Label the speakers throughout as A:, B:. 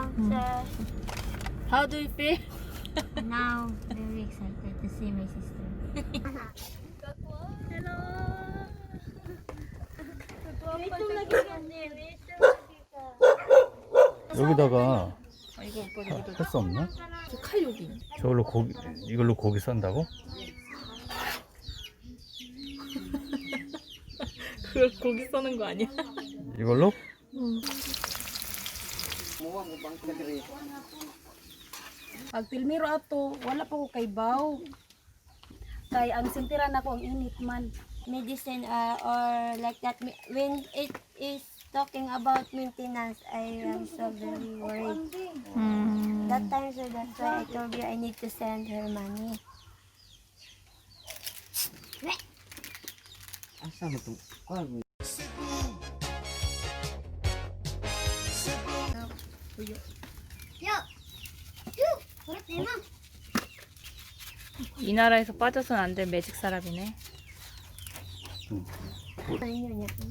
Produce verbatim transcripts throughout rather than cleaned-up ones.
A: sir.
B: How do you feel?
A: Now, very excited to see my sister.
B: Hello.
C: 여기다가
B: 아, 이거 오빠 이거
C: 할 수 없나?
B: 칼 여기.
C: 저걸로 고기 이걸로 고기 썬다고?
B: 그걸 고기 써는 거 아니야?
C: 이걸로?
D: Pag pilmiro ato, wala pa ko kay baw. Kay ang sintiran ako ang init man.
A: Medicine uh, or like that. When it is talking about maintenance, I am so very worried.
B: 음.
A: That time, so that's why I told you I need to send her money.
E: Asa mo to? Kuan.
B: 이 나라에서 빠져서는 안 될 매직 사람이네.
A: Ayun, yun, yun.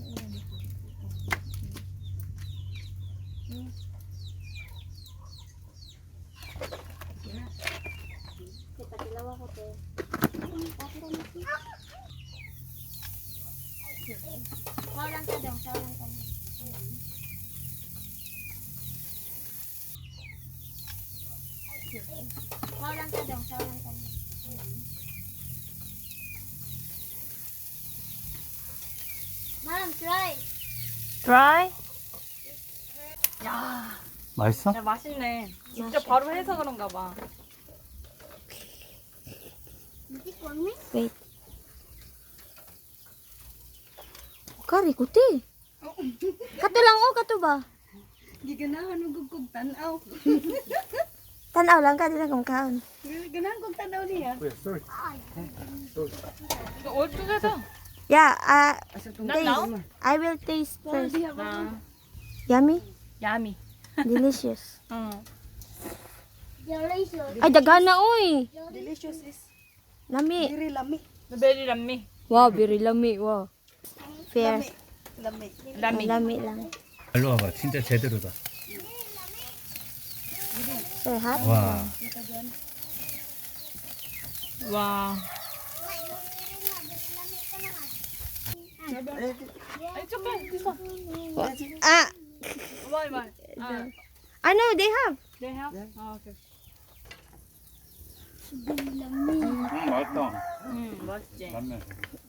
A: Walang ka daw, walang ka. Walang ka daw, walang ka. Mom, try.
B: Try? 야,
C: 맛있어?
B: 야 맛있네. 진짜 바로 해서 그런가 봐.
A: Wait. Kari kuti. Kato lang o, kato ba?
D: Giganahan mo gugug tanaw.
A: Tanaw lang ka, di lang kong kaon.
D: Giganahan kong tanaw niya.
B: 이거 얼뚝에서.
A: Yeah, uh,
B: Not now?
A: I will taste first.
B: 아,
A: Yummy?
B: 야미.
A: Delicious.
B: 응.
A: Ay, daghan na uy.
D: Delicious is
A: Lami.
D: very lami.
B: 베리 람미.
A: Wow, very lami. Wow. Fair.
D: Lami.
B: 람미.
A: Lami lang.
C: 일로 와봐. 진짜 제대로다.
A: Sir, hot?
C: 와.
B: 와. 아니 조금 있어.
A: Ah,
B: 말 말. 아,
A: I know they have.
B: 네 해. 아, 오케이.
C: 음, 맛있다.
B: 음, 맛있지.
C: 라면.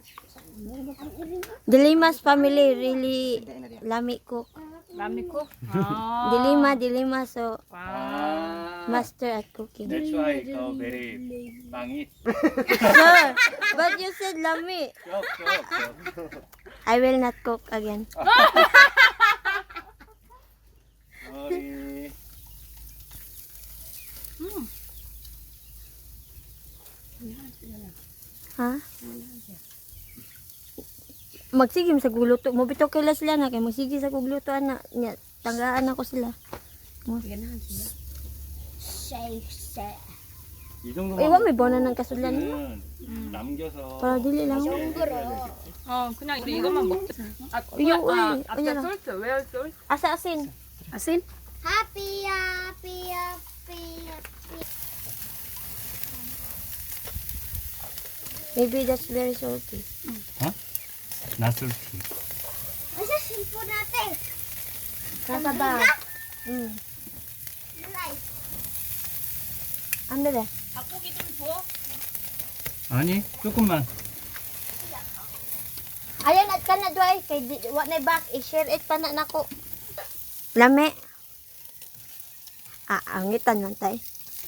A: Dilimas family really lami cook.
B: 람미국? 아.
A: Dilima, dilima, so
B: 와.
A: master at cooking.
C: That's why 더 very 빵이.
A: Sir, but you said lami.
C: 쪽,
A: I will not cook again.
C: 머리.
A: Ha? Magsigim sa guluto. Mo bitaw kay sila na kay magsige sa guluto ana nya tanggaan ako sila.
D: Giganahan sila.
C: 이 정도만.
A: Iwa may bonan ng kasulan.
C: 는 남겨서.
A: Para dili lang.
B: 어, 그냥 우리 이것만 먹자. 아,
A: 이거
B: 아,
A: 왜?
B: 앞에
A: 그냥.
B: 솔트. Where salt?
A: Asa asin?
D: Asin?
A: Happy, happy, happy, happy. Maybe that's very salty.
C: 나술티.
A: Asa simpo natin? Kasa ba? Hmm. Ano ba?
B: 닭고기 좀 줘.
C: 아니, 조금만.
A: Ayan at ka na doy kay di- wa na back i-share it pa na nako. Lami. Ah, angitan man tay.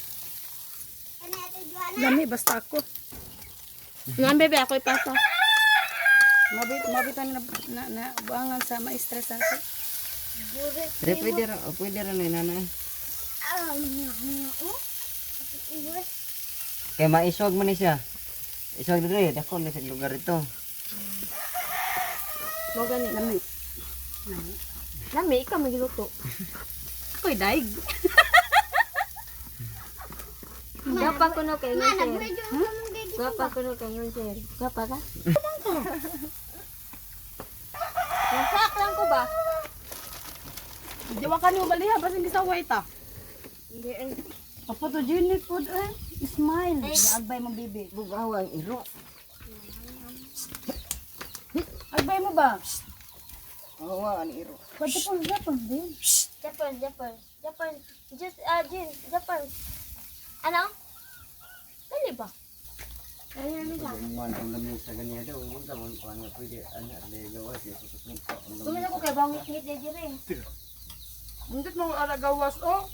D: Lami basta ako.
A: Nan bebe ako ipasa.
D: Mabit mabitan na na, na buangan sa ma-stress ako.
E: Pero pwede ra, pwede ra na nanay. Kay maisog man ni siya. Isog dire, dako na sa lugar ito.
A: Mo gani.
D: Lami.
A: Lami ikaw magiluto.
D: Ako'y daig.
A: Gapa ko no kay ngon sir. Gapa ko no kay ngon sir. Gapa ka? Nasak lang ko ba?
D: Di wa kanyo baliha basta hindi sa white ah.
A: There is
D: Photogenic food eh. Smile. Agbay mo bibi.
E: Bugawang iro.
D: Agbay mo ba?
E: Oo nga, ang iro.
D: Pagkapon, Japan din.
A: Japan, Japan, Japan. Just, uh, Jin, Japan. Ano? Dali ba? Dali namin lang.
E: Man, ang lamin sa ganyan daw. Huwag ka mong kuha nga pwede. Anak, legawas.
A: Gumina ko kay bangit hit na dyan eh.
B: Mundot mo aragawas oh.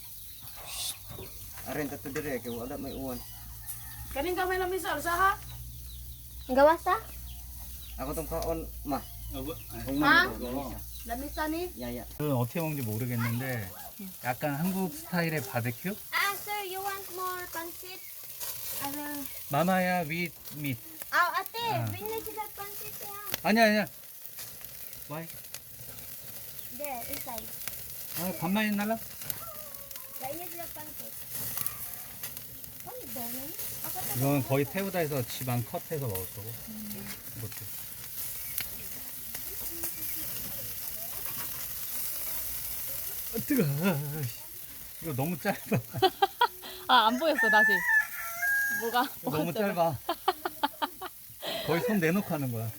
E: Arin, tato dire. Kaya wala may uwan.
D: Kaning kamay lang misal, saha?
A: Ang gawas ha?
E: Ako tong kaon, ma.
C: 여보,
E: Kung
A: Ah?
E: ma.
C: 이거
D: Lamisa ni?
E: Yaya.
C: 이건 어떻게 먹는지 모르겠는데 약간 한국 스타일의 바베큐?
A: Ah, sir, you want more pancit? I will...
C: 마마야 with meat.
A: Ah, ate,
C: Ah.
A: bring na sila pancit ya.
C: 아니야 아니야. Why?
A: There, inside.
C: 아 반만 있나라?
A: Bring na sila pancit. Ano daw na niya? Ako to.
C: 이건 거의 태우다에서 집안 컷해서 먹을 거고. 이것도. 아, 뜨거. 이거 너무 짧아.
B: 아 안 보였어 다시. 뭐가?
C: 너무 짧아. 거의 손 내놓고 하는 거야.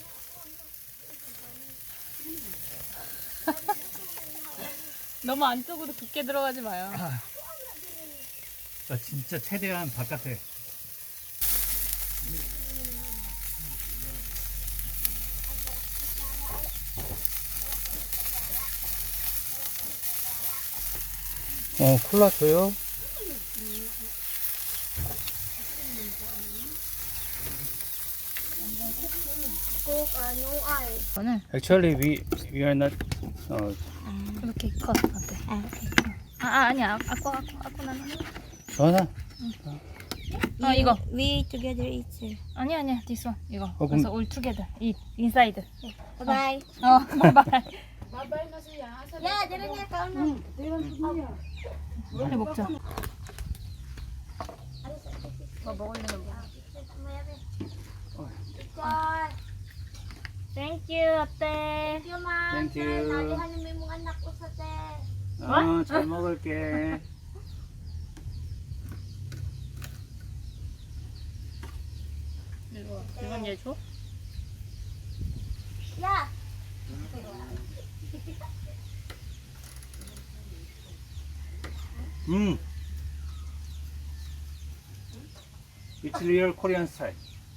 B: 너무 안쪽으로 깊게 들어가지 마요.
C: 아, 나 진짜 최대한 바깥에. 어, 콜라 줘요?
A: Coke, uh, no ice.
B: 저는
C: Actually, we we are not. 어,
B: 이렇게 컷 어때?
A: Ah, okay.
B: 아, 아 아니야. 아까 아까 아까 나는.
C: 전화.
B: 아 이거.
A: We together eat, sir.
B: 아니 아니야. this one 이거.
C: 어,
B: 그래서
C: 그럼-
B: all together. 이 인사이드.
A: Bye-bye.
B: 어 바이바이.
A: Yeah, dali niya ka na.
B: 빨리 먹자. 뭐 먹으려는 거.
A: Thank you, ate. Thank you, ma'am.
C: Thank you.
A: Nalihan mo yung anak ko sa te.
C: 어, 잘 먹을게.
B: 이거 이건 얘 줘?
A: Yeah.
C: 음. It's real Korean style.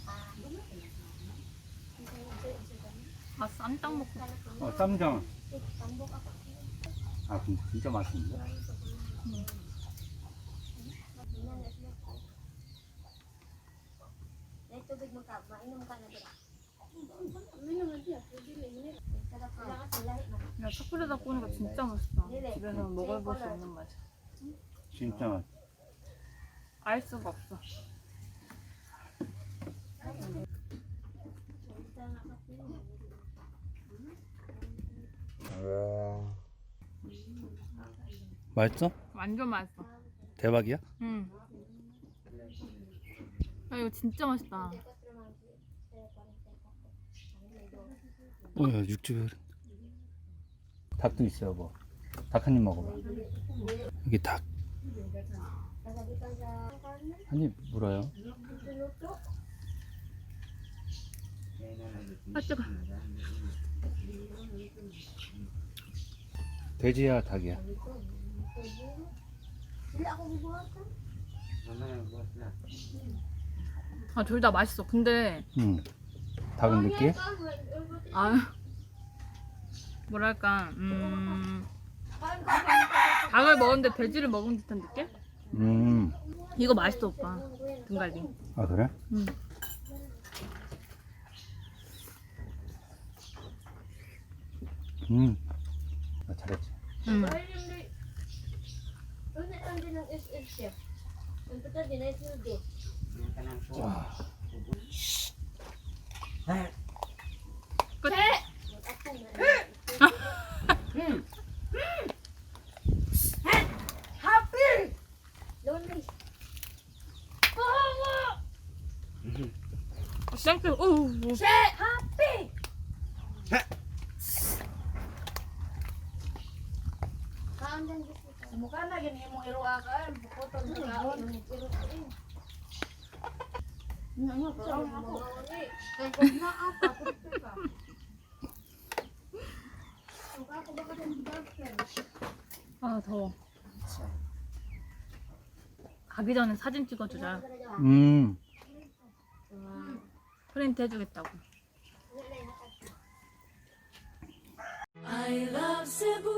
B: 아 쌈딱 먹고.
C: 어, 쌈장. 아, 근데 진짜 맛있는데?
A: May tubig mo ka. Mainom ka na dira.
B: 야 초콜릿 구우니까 진짜 맛있다. 집에서 먹어볼 수 없는 맛이야.
C: 진짜 맛.
B: 알 수가 없어.
C: 맛있어?
B: 완전 맛있어.
C: 대박이야?
B: 응. 야 이거 진짜 맛있다.
C: 뭐야, 육즙이. 닭도 있어요, 뭐. 닭 한 입 먹어봐. 여기 닭. 한 입 물어요.
B: 아 뜨거.
C: 돼지야, 닭이야?
B: 아 둘 다 맛있어. 근데
C: 응. 닭은 느끼해?
B: 아 뭐랄까 음 닭을 먹었는데 돼지를 먹은 듯한 느낌?
C: 음.
B: 이거 맛있어 오빠. 등갈비.
C: 아, 그래?
B: 응.
C: 음. 아, 잘했지.
B: 응.
C: 와.
B: 끝. 땡큐. 오.
A: Kaon dyan,
D: Mukha na gini mo iruakan, bukotol sa kaon.
B: 아 더워. 가기 전에 사진 찍어주자.
C: 음.
B: 프린트 해주겠다고.
F: I love Cebu.